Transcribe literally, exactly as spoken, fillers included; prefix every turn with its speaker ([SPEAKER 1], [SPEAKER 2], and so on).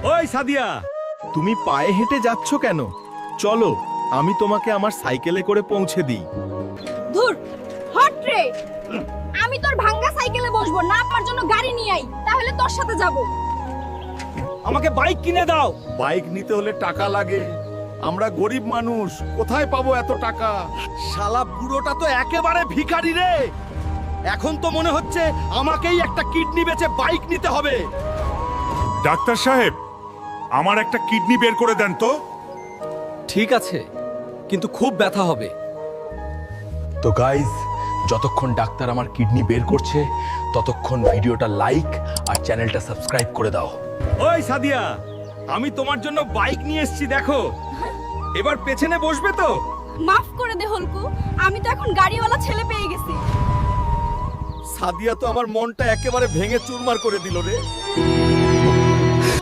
[SPEAKER 1] ওই সাদিয়া,
[SPEAKER 2] তুমি পায়ে হেঁটে যাচ্ছ কেন? চলো, আমি তোমাকে আমার সাইকেলে করে পৌঁছে দিই।
[SPEAKER 3] ধুর, হট রে। আমি তোর ভাঙ্গা সাইকেলে বসবো না, আমার জন্য গাড়ি নিয়ে আই, তাহলে তোর সাথে যাব।
[SPEAKER 1] আমাকে বাইক কিনে দাও।
[SPEAKER 4] বাইক নিতে হলে টাকা লাগে। আমরা গরিব মানুষ, কোথায় পাবো এত টাকা?
[SPEAKER 1] শালা বুড়োটা তো একেবারে ভিখারি রে। এখন তো মনে হচ্ছে আমাকেই একটা কিডনি বেচে বাইক নিতে হবে।
[SPEAKER 5] ডাক্তার সাহেব, আমার একটা কিডনি বের করে দেন তো।
[SPEAKER 6] ঠিক আছে, কিন্তু খুব ব্যথা হবে।
[SPEAKER 2] তো গাইস, যতক্ষণ ডাক্তার আমার কিডনি বের করছে ততক্ষণ ভিডিওটা লাইক আর চ্যানেলটা সাবস্ক্রাইব করে দাও।
[SPEAKER 1] ওই সাদিয়া, আমি তোমার জন্য বাইক নিয়ে এসেছি, দেখো। এবার পেছনে বসবে তো?
[SPEAKER 3] মাফ করে দে হলকু, আমি তো এখন গাড়িওয়ালা ছেলে পেয়ে গেছি।
[SPEAKER 4] সাদিয়া তো আমার মনটা একেবারে ভেঙে চুরমার করে দিল রে।